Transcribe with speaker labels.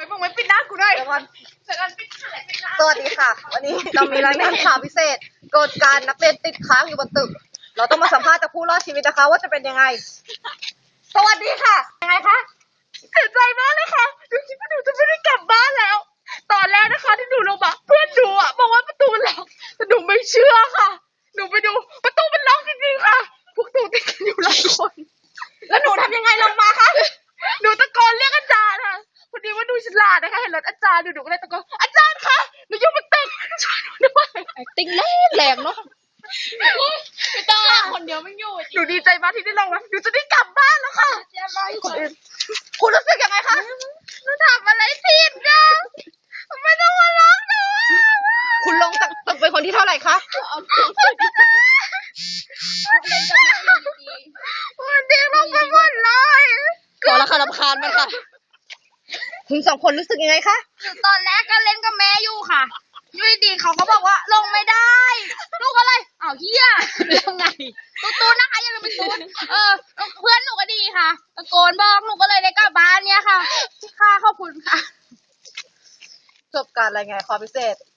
Speaker 1: มึงไม่ปิดหน้ากูด้วย
Speaker 2: เดี๋ยวก่อน
Speaker 1: เดี๋ยวก่อนปิดหน้าไหนปิดหน้า
Speaker 2: สวัสดีค่ะ วันนี้เรามีรายงานข่าวพิเศษเกิดการนักเรียนติดค้างอยู่บนตึก เราต้องมาสัมภาษณ์จากผู้รอดชีวิตนะคะ ว่าจะเป็นยังไง สวัสดีค่ะ
Speaker 1: ยังไงคะเสียใจมากเลยค่ะหนูคิดว่าหนูจะไม่ได้กลับบ้านแล้ว ตอนแรกนะคะที่หนูลงมาเพื่อนหนูอะบอกว่าประตูมันล็อกแต่หนูไม่เชื่อค่ะ หนูไปดูประตูมันล็อกจริงๆค่ะ พวกหนูติดกันอยู่หลายคน
Speaker 2: แล้วหนูทำยังไงลงมาคะ
Speaker 1: หนูตะโกนเรียกอาจารย์ค่ะพอดีว่าดูฉลาดนะคะเห็นรถอาจารย์หนูก็เลยตะโกนอาจารย์คะหนูอยู่บนตึกช่วยหนูด้วย
Speaker 2: ติ้งแรงเนาะ
Speaker 1: ไม่ต้องคนเดียวไม่อยู่หนูดีใจมากที่ได้ลงมาหนูจะได้กลับบ้านแล้วค่ะ
Speaker 2: คุณรู้สึกยังไงคะ
Speaker 1: หนูทำอะไรผิดนะไม่ต้องมาร้องหนู
Speaker 2: คุณลงจากตึกเป็นคนที่เท่าไหร่คะ
Speaker 1: มันเด็กลงไปหมดเลย
Speaker 2: ขอละค่ะรำคาญมันค่ะคุณสองคนรู้สึกยังไงคะ
Speaker 1: ตอนแรกก็เล่นกับแม่อยู่ค่ะอยู่ดีๆเขาก็บอกว่าลงไม่ได้ลูกอะไรอ้าวเฮียยังไงตูนนะคะอย่าลืมไปตูนเพื่อนหนูก็ดีค่ะตะโกนบอกหนูก็เลยได้กลับบ้านเนี่ยค่ะขอบคุณค่ะ
Speaker 2: จบการรายงานข่าวพิเศษ